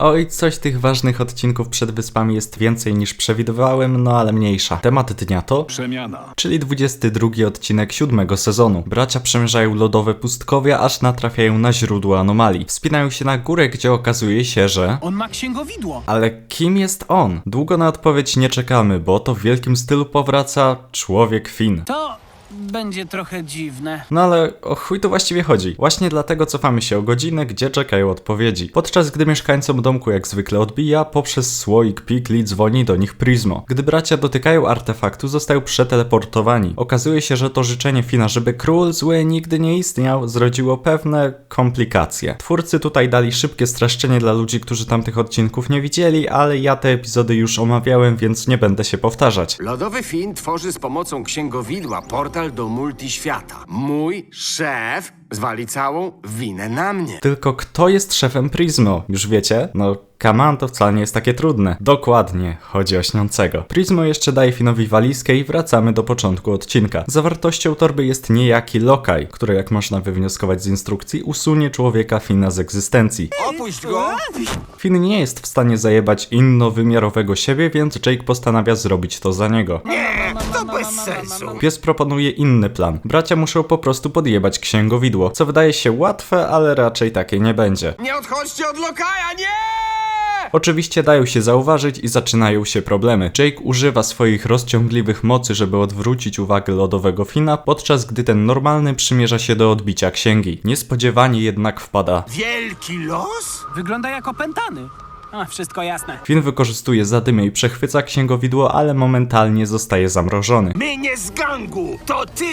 Oj, coś tych ważnych odcinków przed wyspami jest więcej niż przewidywałem, no ale mniejsza. Temat dnia to Przemiana. czyli 22 odcinek 7 sezonu. Bracia przemierzają lodowe pustkowia, aż natrafiają na źródło anomalii. Wspinają się na górę, gdzie okazuje się, że... On ma księgowidło. Ale kim jest on? Długo na odpowiedź nie czekamy, bo to w wielkim stylu powraca człowiek Finn. To będzie trochę dziwne. No ale o chuj tu właściwie chodzi? Właśnie dlatego cofamy się o godzinę, gdzie czekają odpowiedzi. Podczas gdy mieszkańcom domku jak zwykle odbija, poprzez słoik pikli dzwoni do nich Prismo. Gdy bracia dotykają artefaktu, zostają przeteleportowani. Okazuje się, że to życzenie Finna, żeby król zły nigdy nie istniał, zrodziło pewne komplikacje. Twórcy tutaj dali szybkie streszczenie dla ludzi, którzy tamtych odcinków nie widzieli, ale ja te epizody już omawiałem, więc nie będę się powtarzać. Lodowy Finn tworzy z pomocą księgowidła portal do multiświata. Mój szef zwali całą winę na mnie. Tylko kto jest szefem Prismo? Już wiecie? No, come on, to wcale nie jest takie trudne. Dokładnie, chodzi o śniącego. Prismo jeszcze daje Finnowi walizkę i wracamy do początku odcinka. Zawartością torby jest niejaki Lokaj, który, jak można wywnioskować z instrukcji, usunie człowieka Finna z egzystencji. Opuść go! Finn nie jest w stanie zajebać innowymiarowego siebie, więc Jake postanawia zrobić to za niego. To bez sensu. Pies proponuje inny plan. Bracia muszą po prostu podjebać księgowidło, co wydaje się łatwe, ale raczej takie nie będzie. Nie odchodźcie od Lokaja, nie! Oczywiście dają się zauważyć i zaczynają się problemy. Jake używa swoich rozciągliwych mocy, żeby odwrócić uwagę lodowego Finna, podczas gdy ten normalny przymierza się do odbicia księgi. Niespodziewanie jednak wpada. Wielki los? Wygląda jak opętany. A, wszystko jasne. Finn wykorzystuje zadymę i przechwyca księgowidło, ale momentalnie zostaje zamrożony. My nie z gangu, to ty!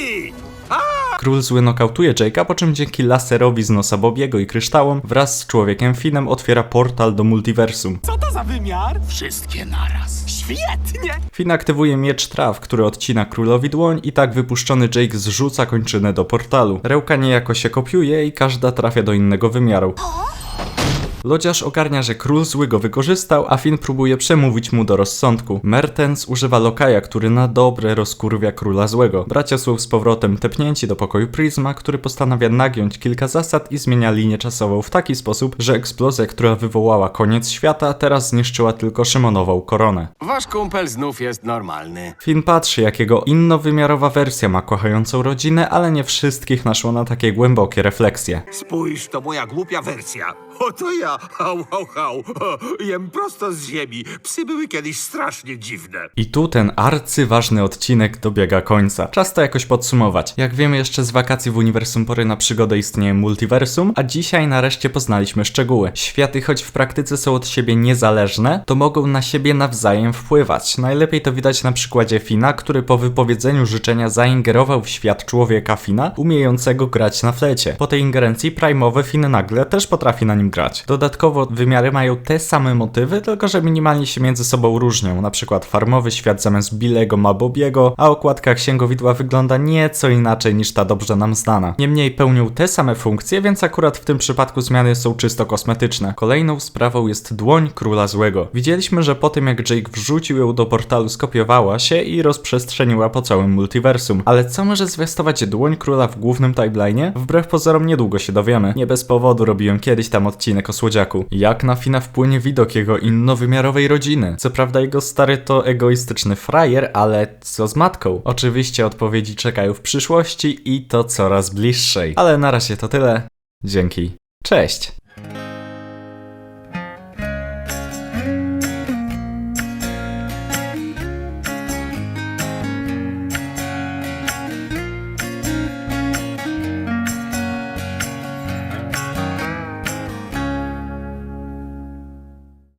Król zły nokautuje Jake'a, po czym dzięki laserowi z nosa Bobiego i kryształom wraz z człowiekiem Finnem otwiera portal do multiversum. Co to za wymiar? Wszystkie naraz. Świetnie! Finn aktywuje miecz traw, który odcina królowi dłoń i tak wypuszczony Jake zrzuca kończynę do portalu. Rełka niejako się kopiuje i każda trafia do innego wymiaru. Lodziarz ogarnia, że król zły go wykorzystał, a Finn próbuje przemówić mu do rozsądku. Mertens używa Lokaja, który na dobre rozkurwia króla złego. Bracia są z powrotem tepnięci do pokoju Prisma, który postanawia nagiąć kilka zasad i zmienia linię czasową w taki sposób, że eksplozja, która wywołała koniec świata, teraz zniszczyła tylko Szymonową koronę. Wasz kumpel znów jest normalny. Finn patrzy, jak jego innowymiarowa wersja ma kochającą rodzinę, ale nie wszystkich naszło na takie głębokie refleksje. Spójrz, to moja głupia wersja. Oto ja, hał, hał, hał. Jem prosto z ziemi. Psy były kiedyś strasznie dziwne. I tu ten arcyważny odcinek dobiega końca. Czas to jakoś podsumować. Jak wiemy, jeszcze z wakacji w uniwersum pory na przygodę istnieje multiversum, a dzisiaj nareszcie poznaliśmy szczegóły. Światy, choć w praktyce są od siebie niezależne, to mogą na siebie nawzajem wpływać. Najlepiej to widać na przykładzie Finna, który po wypowiedzeniu życzenia zaingerował w świat człowieka Finna, umiejącego grać na flecie. Po tej ingerencji Prime'owy Finn nagle też potrafi na nim grać. Dodatkowo wymiary mają te same motywy, tylko że minimalnie się między sobą różnią. Na przykład farmowy świat zamiast Billego ma Bobiego, a okładka księgowidła wygląda nieco inaczej niż ta dobrze nam znana. Niemniej pełnią te same funkcje, więc akurat w tym przypadku zmiany są czysto kosmetyczne. Kolejną sprawą jest dłoń króla złego. Widzieliśmy, że po tym jak Jake wrzucił ją do portalu, skopiowała się i rozprzestrzeniła po całym multiversum. Ale co może zwiastować dłoń króla w głównym timeline'ie? Wbrew pozorom niedługo się dowiemy. Nie bez powodu robiłem kiedyś tam odcinek o słodziaku. Jak na Finna wpłynie widok jego innowymiarowej rodziny? Co prawda jego stary to egoistyczny frajer, ale co z matką? Oczywiście odpowiedzi czekają w przyszłości i to coraz bliższej. Ale na razie to tyle. Dzięki. Cześć!